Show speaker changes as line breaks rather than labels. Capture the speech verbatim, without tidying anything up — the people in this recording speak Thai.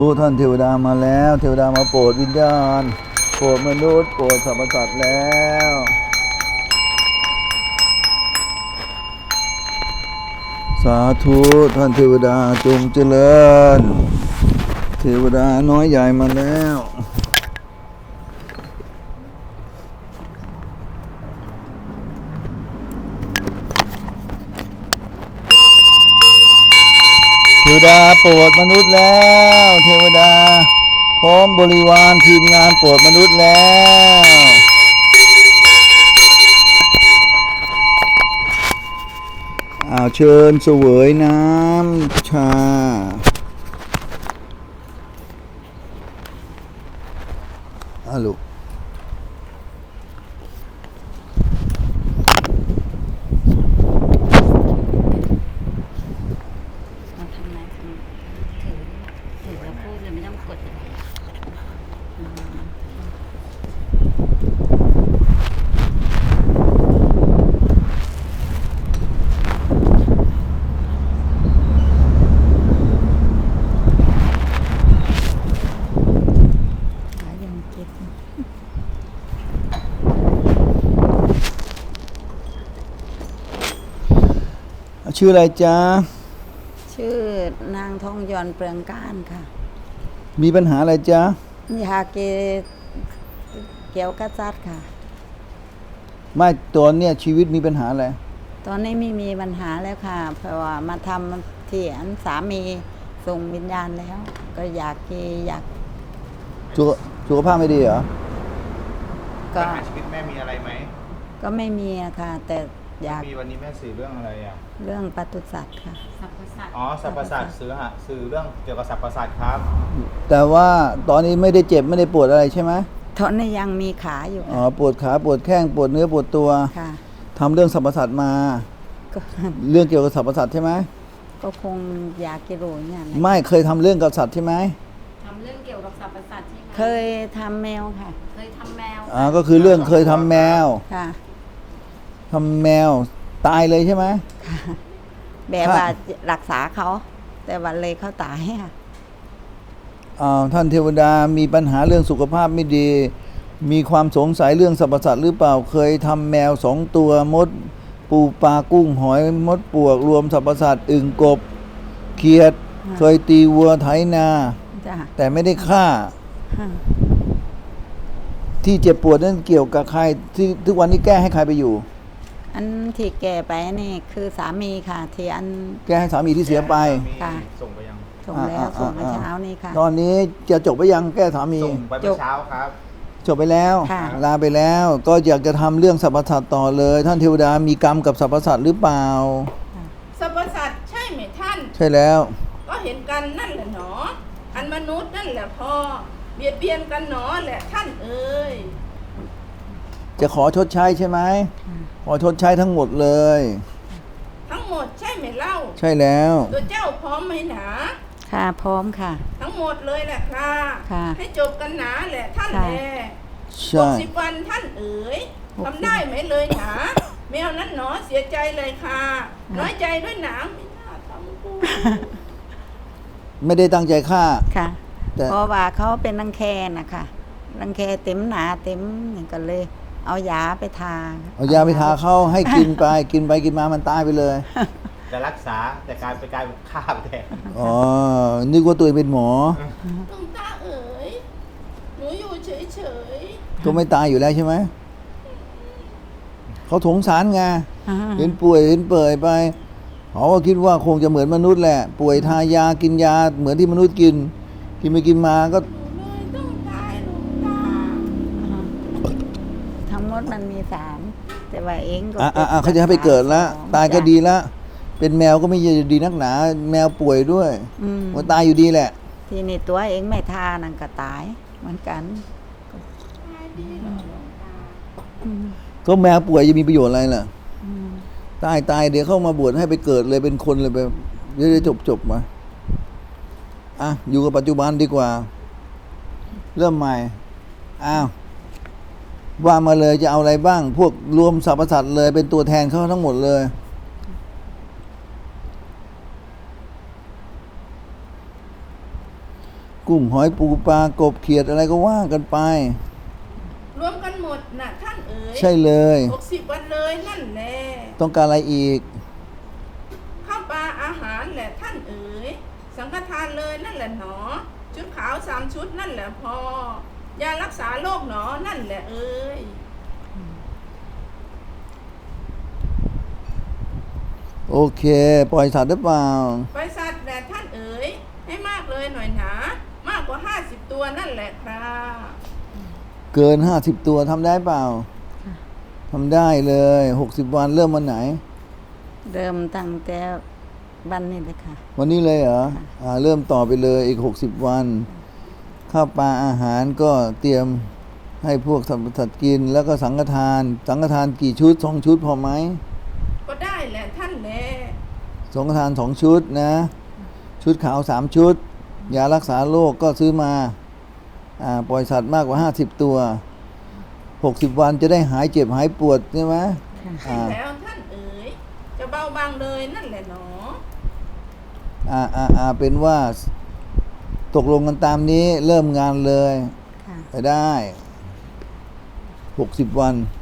รู้ท่านเทวดามาแล้วเทวดามาโปรดวิญญาณโปรดมนุษย์โปรดสรรพสัตว์แล้วสาธุท่านเทวดาจงเจริญเทวดาน้อยใหญ่มาแล้วเทวดาโปรดมนุษย์แล้วเทวดาพร้อมบริวารทีมงานโปรดมนุษย์แล้วอ้าวเชิญเสวยน้ำชาอ้าวลูก
เราทำไมทำถือถือแล้วพูดเลยไม่ต้องกดเลยอืมขายังเจ็บ
ชื่ออะไรจ๊ะ
ชื่อนางทองยอนเปลืองก้านค่ะ
มีปัญหาอะไรจ๊ะ
ยาเกเกี่ยวกับจัดค่ะ
ไม่ตอนเนี้ยชีวิตมีปัญหาอะไร
ตอนนี้ไม่มีปัญหาแล้วค่ะ เพราะว่ามาทำที่อันสามีส่งวิญญาณแล้ว ก็อยากกีอยาก
สุขสุขภาพไม่ดีเหรอ
ก็
ปัญหาชีวิตแม่มีอะไรไหม
ก็ไม่มีอะค่ะ แต่อยาก
มีวันนี้แม่สื่อเรื่องอะไรอ่ะ
เรื่องปศุสัตว์ค่ะ
อ๋อสรรพสัตว์สื่อฮะสื่อเรื่องเกี่ยวกับสรรพสัตว์ครับ
แต่ว่าตอนนี้ไม่ได้เจ็บไม่ได้ปวดอะไรใช่ไหม
ตอนนี้ยังมีขาอยู่
อ๋อ
ค่ะ
ปวดขาปวดแข้งปวดเนื้อปวดตัว
ค่ะ
ทำเรื่องสรรพสัตว์มา
ก็
เรื่องเกี่ยวกับสรรพสัตว์ใช่ไหม
ก็คงอยากกิโลเนี่ยนะ
ไม่เคยทำเรื่องกับสัตว์ใช่ไหม
ทำเรื่องเกี่ยวกับสรรพสัตว์ใช่ไหม
เคยทำแมวค่ะ
เคยทำแมว
อ่าก็คือเรื่องเคยทำแมว
ค่ะ
ทำแมวตายเลยใช่ไหม
ค่ะ แบบว่ารักษาเขา แต่วันเลยเขาตายค่ะ
อ่าท่านเทวดามีปัญหาเรื่องสุขภาพไม่ดี มีความสงสัยเรื่องสรรพสัตว์หรือเปล่าเคยทำแมวสองตัวมด ปูปลากุ้งหอยมดปวกรวมสรรพสัตว์อึ่งกบเขียด
ค่ะ
เคยตีวัวไถนา
จ้ะ
แต่ไม่ได้ฆ่า
ค่ะ
ที่เจ็บปวดนั้นเกี่ยวกับใครที่ทุกวันนี้แก้ให้ใครไปอยู่
อันที่แก่ไปนี่คือสามีค่ะ ที่อัน
แก้ให้สามีที่เสียไป
ค่ะ
ส่งไปยัง
ส่งแล้ว
อ่า
ส่งเมื่อ
อ่า
เช้านี้ค่ะ
ตอนนี้จะจบไปยังแก้สามี
ส่งไปเมื่อเช้าครับ
จบไปแล้ว
ค่ะ
ลาไปแล้ว ก็อยากจะทำเรื่องสรรพสัตว์ต่อเลย ท่านเทวดามีกรรมกับสรรพสัตว์หรือเปล่า
สรรพสัตว์ใช่ไหมท่าน
ใช่แล้ว
ก็เห็นกันนั่นแหละหนอ อันมนุษย์นั่นแหละพอ เบียดเบียนกันหนอแหละท่านเอ๋ย
จะขอชดใช้ใช่ไหมขอชดใช้ทั้งหมดเลย
ทั้งหมดใช่ไหมเล่า
ใช่แล้ว
ตัวเจ้าพร้อมไหมหนา
ค่ะพร้อมค่ะ
ทั้งหมดเลยแหละค่ะ
ค่ะ
ให้จบกันหนาแหละท่าน
ค่ะ
แลห
ใช่
กสิบวันท่านเอ๋ย
หกสิบ
ทำได้ไหมเลยหนาแมวนั้นหนอเสียใจเลยค่ะ น้อยใจด้วยหนาไม่น่าทำกู
ไม่ได้ตั้งใจฆ่า
ค่ะ
แต่
เพราะว่าเขาเป็นรังแคนะคะรังแคเต็มหนาเต็มนี่ก็เลย เอายาไปทา
เอายาไปทาเข้าให้กินไป กินไปกินมามันตายไปเลย
จะรักษาแต่กลายไปกลายเป็นฆ่าไปแทน
อ๋อ นึกว่าตัวเองเป็นหมอ
หลวงตาเอ๋ย หนูอยู่เฉย
ก็ไม่ตายอยู่แล้วใช่ไหม เขาสงสารไง
อ่า
เห็นป่วยเห็นเปื่อยไป เขาก็คิดว่าคงจะเหมือนมนุษย์แหละ ป่วยทายากินยาเหมือนที่มนุษย์กิน กินไปกินมาก็
ๆ หนูเลยต้องตายหลวงตา
ทั้งหมดมันมีสามแต่ว่าเองก็
อ่ะอ่ะอ่ะเขาจะให้ไปเกิดแล้ว ตายก็ดีละ เป็นแมวก็ไม่ดีนักหนา แมวป่วยด้วย
อืม
มันตายอยู่ดีแหละ
ทีนี่ตัวเองไม่ทานั่นก็ตายเหมือนกัน
ตายดีเหรอหลวงตา
อืม
ก็แมวป่วยจะมีประโยชน์อะไรล่ะ
อืม
ตายตายเดี๋ยวเข้ามาบวชให้ไปเกิดเลยเป็นคนเลยไปเดี๋ยวจบจบมาอ่ะอยู่กับปัจจุบันดีกว่า เริ่มใหม่อ้าวว่ามาเลยจะเอาอะไรบ้าง พวกรวมสรรพสัตว์เลยเป็นตัวแทนเขาทั้งหมดเลย กกุ้งหอยปูปลากบเขียดอะไรก็ว่ากันไป
รวมกันหมดน่ะท่านเอ๋ย
ใช่เลย
หกสิบวันเลยนั่นแหละ
ต้องการอะไรอีก
ข้าวปลาอาหารแหละท่านเอ๋ยสังฆทานเลยนั่นแหละหนอ ชุดขาวสามชุดนั่นแหละพอยารักษาโรคหนอนั่นแหละเอ๋ย
โอเค ปล่อยสัตว์หรือเปล่า
ไปสัตว์แหละท่านเอ๋ยให้มากเลยหน่อยหนา มากกว่าห้าสิบตัวนั่นแหละครับ
เกินห้าสิบตัวทำได้เปล่าทำได้เลยหกสิบวันเริ่มวันไหน
เริ่มตั้งแต่วันนี้เลยค่ะ
วันนี้เลยเหรออ่าเริ่มต่อไปเลยอีกหกสิบวัน ข้าวปลาอาหารก็เตรียมให้พวกสัตว์สัตว์กิน แล้วก็สังฆทาน สังฆทานกี่ชุดสองชุดพอไหม
ก็ได้แหละท่านแหละ
สังฆทานสองชุดนะ ชุดขาวสามชุด ยารักษาโรคก็ซื้อมาอ่าปล่อยสัตว์มากกว่าห้าสิบตัวหกสิบวันจะได้หายเจ็บหายปวดใช่ไหม
ใช่แล้วท่านเอ๋ยจะเบาบางเลยนั่นแหละหนอ
อ่าอ่าอ่าเป็นว่าตกลงกันตามนี้เริ่มงานเลย
ค่ะ
ไปได้หกสิบวัน